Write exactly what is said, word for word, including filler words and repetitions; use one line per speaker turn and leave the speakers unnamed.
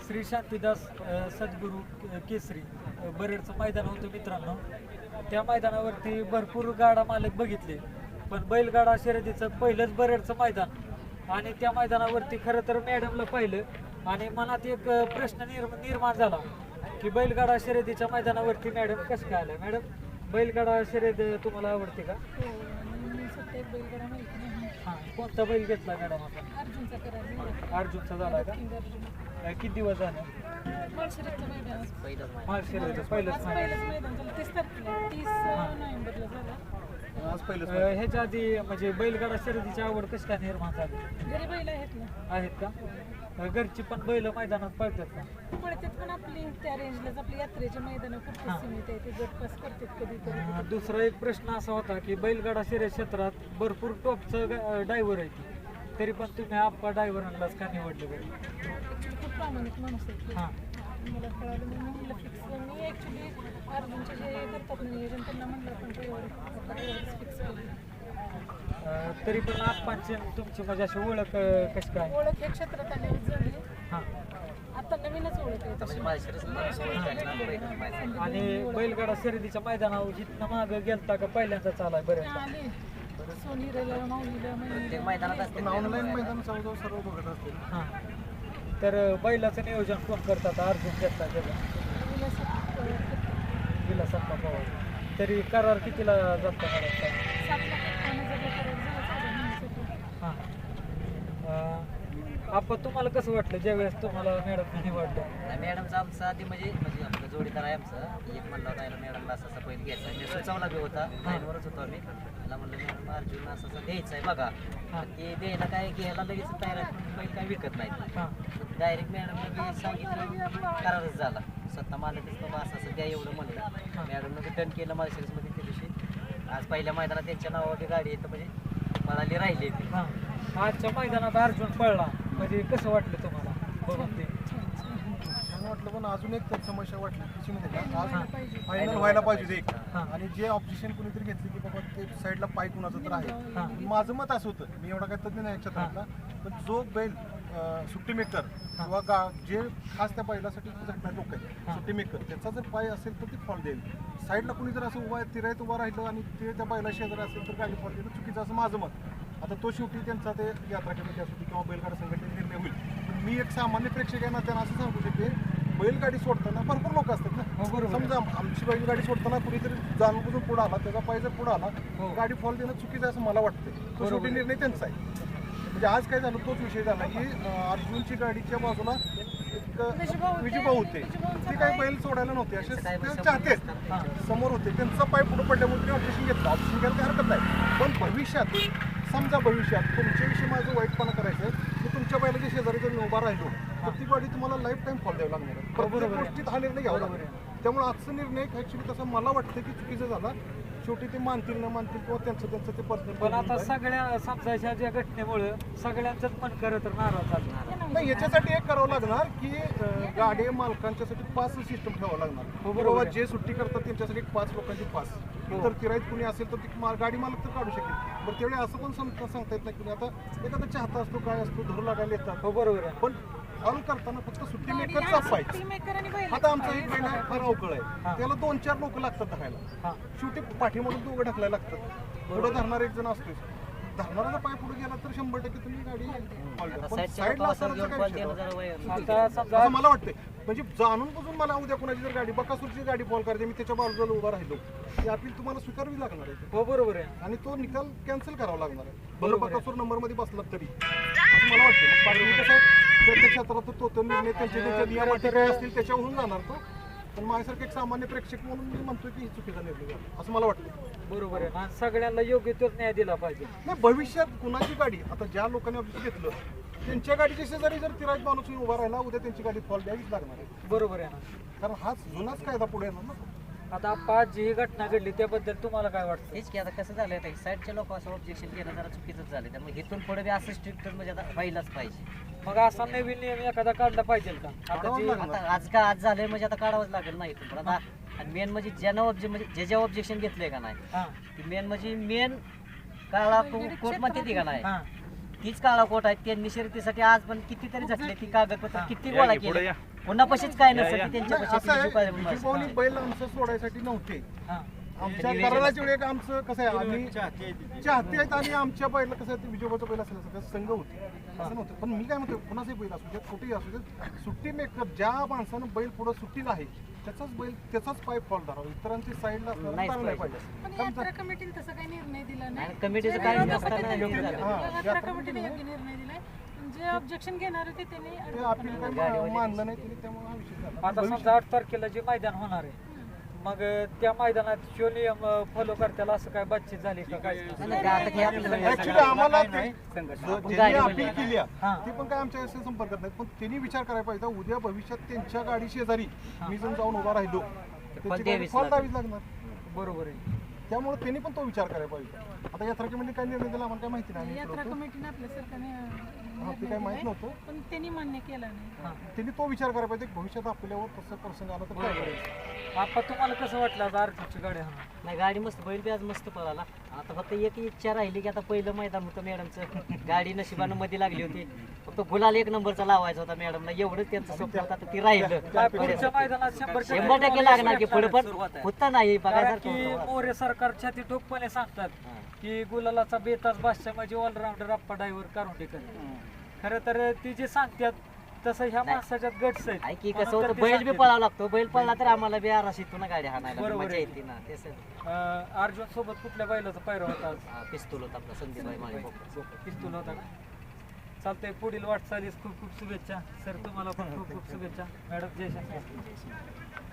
श्री शांतीदास अ, सद्गुरू के- केसरी अ, बरेडचं मैदान होतं मित्रांनो. त्या मैदानावरती भरपूर गाडा मालक बघितले, पण बैलगाडा शर्यतीचं पहिलंच बरेडचं मैदान आणि त्या मैदानावरती खरं तर मॅडमला पाहिलं आणि मनात एक अ, प्रश्न निर्म निर्माण झाला की बैलगाडा शर्यतीच्या मैदानावरती मॅडम कसं काय आलं. मॅडम, बैलगाडा शर्यत तुम्हाला आवडते का?
हो, मी सध्या एक बैलगाडा माहिती नाही.
हां, कोणता बैल घेतला मॅडम आपण?
अर्जुनचा करार झाला.
अर्जुनचा झाला का?
किंग अर्जुन.
अ, किती दिवस झाले?
माळशिरसचं मैदान आज
माळशिरसचं पहिलंच
आज
मैदान.
पहिलंच मैदान झालं. तीस तारखेला तीस नोव्हेंबरला झालं.
आज पहिलंच
अ, ह्याच्या आधी म्हणजे बैलगाडा शर्यतीची आवड कशी काय निर्माण झाली?
घरी बैल आहेत ना.
आहेत का? अ, घरची पण बैल मैदानात पळतात का?
पडतात पण आपली त्या रेंजलाच आपली यात्रेचे मैदान खूप
हां.
सीमित आहे. ते गटपास करतात कधीतरी.
अ, दुसरा एक प्रश्न असा होता की बैलगाडा शर्यत क्षेत्रात भरपूर टॉपचं ड्रायव्हर आहे की, तरी पण तुम्ही आप्पा ड्रायव्हरांनाच का निवडलं बरं?
ॲक्च्युली खूप प्रामाणिक माणूस आहे.
हां
मला कळालं म्हणून मी म्हटलं फिक्स. मी ॲक्च्युली अर्जुनचे जे करतात ना नियोजन त्यांना म्हटलं आपण ड्रायव्हर फिक्स केली.
अ, तरी पण आप्पांची आणि तुमची म्हणजे अशी ओळख अ, कशी काय?
ओळख या क्षेत्रात आल्यावर झाली.
हां.
आता नवीनच ओळख आहे तशी.
आणि बैलगाडा शर्यतीच्या मैदानावर जिथनं मागं गेलता का पहिल्यांदाच आलाय बरं?
आली सोनीला माऊलीला
ऑनलाईन मैदान जवळजवळ सर्व बघत असतील.
हां. तर अ, बैलाचं नियोजन कोण करतात? अर्जुन घेतला त्याचा विलासप्पा पवार. तरी करार कितीला जातो मला? हां. अ, आपण तुम्हाला कसं वाटलं ज्यावेळेस तुम्हाला मॅडम निवडलं?
नाही, मॅडमचा आमचा आधी म्हणजे म्हणजे आपलं जोडीदार आहे आमचं. एक म्हणला होता याला मॅडमला असं असं पहिलं घ्यायचा आहे. मी सुचवला बी होता, लाईनवरच होतो आम्ही. त्याला म्हणलं मॅडम अर्जुन असं असं द्यायचं आहे बघा.
हां.
ते द्यायला काय घ्यायला लगेच तयार आहे, पण बैल काय विकत नाही.
हां.
डायरेक्ट मॅडमने सांगितलं, करारच झाला. स्वतः मालकच बाबा असं असं द्या एवढं म्हणलं. मॅडमनं डन केलं माळशिरसमध्ये त्या दिवशी. आज पहिल्या मैदानात त्यांच्या नावावर गाडी येतं म्हणजे मनाली राहिली ती.
हां. आजच्या मैदानात अर्जुन पळला म्हणजे कसं वाटलं तुम्हाला बघून ते?
छान वाटलं, पण अजून एक तर समस्या वाटली तिची म्हणजे का आज
पाहिजे.
फायनल व्हायला पाहिजे एक.
हां.
आणि जे ऑब्जेक्शन कोणीतरी घेतली की बाबा ते साईडला पाय कुणाचं तर आहे.
हां.
माझं मत असं होतं, मी एवढा काही तज्ञ नाही क्षेत्रातला, पण जो बैल अं, सुट्टी मेकर किंवा गा जे खास त्या बैलासाठी झटणारे लोक आहेत सुट्टी मेकर, त्याचा जर पाय असेल तर ती फॉल देईल. साईडला कोणी जर असं उभा तिरायत उभा राहिलं आणि ते त्या बैला शेजारी असेल तर गाडी फॉल देणं चुकीचं असं माझं मत. आता तो शेवटी त्यांचा ते यात्रा कमिटी असू किंवा बैलगाडा संघटनेचा निर्णय होईल. पण मी एक सामान्य प्रेक्षक आहे ना, त्यांना असं सांगू शकते, बैलगाडी सोडताना भरपूर लोक असतात ना.
हो, बरोबर.
समजा आमची बैलगाडी सोडताना कुणीतरी जाणून बुजून पुढे आला, त्याचा पाय जर पुढे आला,
हो.
गाडी फॉल देणं चुकीचं आहे असं मला वाटतं. तो
बरोबर
शेवटी
आहे.
निर्णय त्यांचा आहे. म्हणजे आज काय झालं, तोच विषय झाला की अं, अर्जुनची गाडीच्या बाजूला एक
विजूभाऊ होते.
विजूभाऊ होते.
विजूभाऊंचा
ते काही
पाय-
बैल सोडायला नव्हते, असे
काय
ते
समोर
चाहते
असतात.
समोर होते. त्यांचा पाय पुढे पडल्यामुळे त्यांनी ऑपरेशन घेतलं. ऑपरेशन घ्यायला काही हरकत नाही, पण भविष्यात समजा भविष्यात तुमच्याविषयी माझं वाईटपणा करायचं की तुमच्या बैलाच्या शेजारी जर मी उभा राहिलो तर ती गाडी तुम्हाला लाईफ टाईम फॉल द्यावं लागणार आहे. प्रत्येक
बरोबर आहे.
गोष्टीत हा निर्णय घ्यावा लागणार आहे. त्यामुळे आजचा निर्णय ॲक्च्युली तसं मला वाटतं की चुकीचा झाला. शेवटी ते मानतील न मानतील किंवा त्यांचं त्यांचं ते
पण
पर्सनल.
आता सगळ्या समजायच्या ज्या घटनेमुळे सगळ्यांचंच मन खरं तर नाराज झालं.
नाही, याच्यासाठी एक करावं लागणार की अं, गाडी मालकांच्यासाठी पास सिस्टम ठेवावं लागणार.
हो,
की
बरोबर
बाबा
आहे.
जे सुट्टी करतात त्यांच्यासाठी एक पाच लोकांची पास.
हो.
तर किराईत कुणी असेल तर ती मा- गाडी मालक तर काढू शकेल. बरं त्यावेळी असं पण सांगता सांगता येत नाही की आता एखादा चाहता असतो, काय असतो, धरू लागायला येतात.
हो बरोबर आहे.
पण हॉल करताना फक्त सुट्टी
गाडी
मेकरचा
नाही,
पाहिजे.
सुट्टी मेकर आणि बैल.
आता आमचा एक बैल आहे, फार अवकळ
हां.
आहे, त्याला दोन चार लोक लागतात धरायला.
हां.
शेवटी पाठीमधून दोघं ढकलायला लागतात. पुढे धरणार एक जण असतोच. धरणारा पाय पुढे गेला तर शंभर टक्के तुम्ही गाडी हॉल द्या.
आता
पण
साईडच्या
साईडला
लोकांवर
असताना
घेऊन
काय
बॉल
विषय
देणं
होता?
जरा वय-
आता समजा
असं मला वाटतंय. म्हणजे जाणून बुजून मला उद्या कोणाची जर गाडी बकासूरची गाडी फॉल करायची, मी त्याच्या बाजूला उभा राहिलो, ती अपील तुम्हाला स्वीकारावी लागणार आहे
हो बरोबर आहे.
आणि तो निकाल कॅन्सल करावा लागणार आहे. भलं
बरोबर आहे.
बकासूर नंबर मध्ये बसला तरी असं मला वाटतं. मग बाकी कसं आहे, प्रत्येक क्षेत्रात तो तो निर्णय त्यांच्या त्यांच्या नियमाटी काय असतील त्याच्यावरून जाणार तो. पण माझ्यासारखं एक सामान्य प्रेक्षक म्हणून मी म्हणतोय की ही चुकीचा निर्णय झाला असं मला वाटतं.
बरोबर आहे. आणि सगळ्यांना योग्य तोच न्याय दिला पाहिजे.
नाही, भविष्यात कुणाची गाडी आता ज्या लोकांनी ऑफिस घेतलं त्यांच्या गाडीच्या शेजारी जर तिराज माणूस येऊन उभा राहिला, उद्या त्यांची गाडी फॉल द्यावीच लागणार आहे.
बरोबर आहे ना.
कारण हाच जुनाच कायदा पुढे येणार ना.
आता पाच जी घटना घडली त्याबद्दल तुम्हाला काय वाटतं?
हेच की आता कसं झालं आहे, साईडच्या लोक असं ऑब्जेक्शन घेणं जरा चुकीचंच झालं. त्यामुळे इथून पुढे बी असं स्ट्रिक्ट म्हणजे आता व्हायलाच पाहिजे.
मग असा नवीन नियम एखादा काढला पाहिजे का? आता जी
आता आज का आज झालंय म्हणजे आता काढावंच लागेल नाही इथून. पण आता आणि मेन म्हणजे ज्यानं ऑब्जे म्हणजे जे जे ऑब्जेक्शन घेतलंय का नाही,
हां
मेन म्हणजे मेन काळा कोर्ट म्हणते ती का नाही,
हां
तीच काळा कोट आहे. त्यांनी शर्यतीसाठी आज पण कितीतरी झटले ती कागदपत्र किती गोळा केले. कोणापाशीच काय नसतं ती
नाही,
त्यांच्यापाशी
असं आहे
विजू पाहिजे
विजू
बस.
पाहुणे बैल आमचं सोडायसाठी नव्हते
हा
आमच्या कराराच्या वेळी एक आमचं कसं आहे आम्ही चाहते आहेत आणि आमच्या बैला कसं आहे विजोबाचं बैल असेल असं संघ होते असं नव्हतं पण मी काय म्हणतो कुणाचंही बैल असू देत कुठेही असू देत सुट्टी मेकर ज्या माणसानं बैल पुढं सुट्टीला आहे त्याचाच बैल त्याचाच पाय फॉल धरावा इतरांची साईडला
नाहीच
असणार नाही
पाहिजे.
पाहिजे
पण यात्रा कमिटीने तसं काही निर्णय दिला नाही
आणि कमिटीचं
जे
काही
विरोधक
नसताना
होते
योग्य
त्यांनी-
झालं.
हां,
यात्रा कमिटीने योग्य निर्णय दिलाय जे ऑब्जेक्शन घेणार होते त्यांनी
ते
अडवलं
अपील
पण
काही
नाही.
मा- मानलं नाही त्यांनी त्यामुळे हा विषय झाला
आता समजा आठ तारखेला जे मैदान होणार आहे मग त्या मैदानात शो नियम फॉलो करताना असं काय बातचीत झाली का काय
नाही, नाही, आता हे आपल्याला
ऍक्च्युली आम्हाला ते- जो-
आपण
ज्यांनी
गाडी
अपील केली आहे,
हां.
ते पण काय आमच्या याशी संपर्कात नाही पण त्यांनी विचार करायला पाहिजे उद्या भविष्यात त्यांच्या गाडी शेजारी मी जर जाऊन उभा राहिलो त्याची गाडी
द्यावीच
फॉल
लागेल.
द्यावीच लागणार
बरोबर आहे
त्यामुळे त्यांनी पण तो विचार करायला पाहिजे आता यात्रा कमिटी काय निर्णय दिला आम्हाला काय माहिती नाही आम्ही
यात्रा
इकडं होतो.
कमिटीने आपल्या सरकारने
हा, ते काय माहित नव्हतं
पण त्यांनी मान्य केला नाही
त्यांनी तो विचार करायला पाहिजे की भविष्यात आपल्यावर तसं प्रसंग आला तर काय करायचं
आता तुम्हाला कसं वाटलं आता अर्जुनची गाडी हा
नाही गाडी मस्त बैल बी आज मस्त पळाला आता फक्त एक इच्छा राहिली की आता पहिलं मैदान होतं मॅडमचं गाडी नशिबानं मध्ये लागली होती फक्त गुलाल एक नंबरचा लावायचा होता मॅडमला एवढंच त्यांचं स्वप्न होतं आता ती राहिलं
काय पुढच्या मैदानात शंभर
शंभर टक्के लागणार की पुढे पण होता नाही
कारण
बघायसारखं
की
होतं.
मोरे सरकार छाती ठोकपणे सांगतात की गुलालाचा बेताज बादशाह म्हणजे ऑलराऊंडर अप्पा ड्रायव्हर कारुंडेकर खरं तर ती जे सांगतात तसं ह्या माणसाच्यात गट्स आहेत
आहे की
म्हणून
कसं
तर
होतं
ते
बैल बी
सांगतात.
पळावा लागतो बैल पळला तर आम्हाला बी आरास येतो ना गाडी हाणायला
बरोबर
मजा
आहे.
येते ना तेच
अं, अर्जुन सोबत कुठल्या बैलाचा पायरा होता आज?
पिस्तूल होता आपला संदीप माळी
पिस्तूल होता का चालतंय पुढील वाटचालीस खूप खूप शुभेच्छा सर तुम्हाला पण खूप खूप शुभेच्छा मॅडम जयशंकर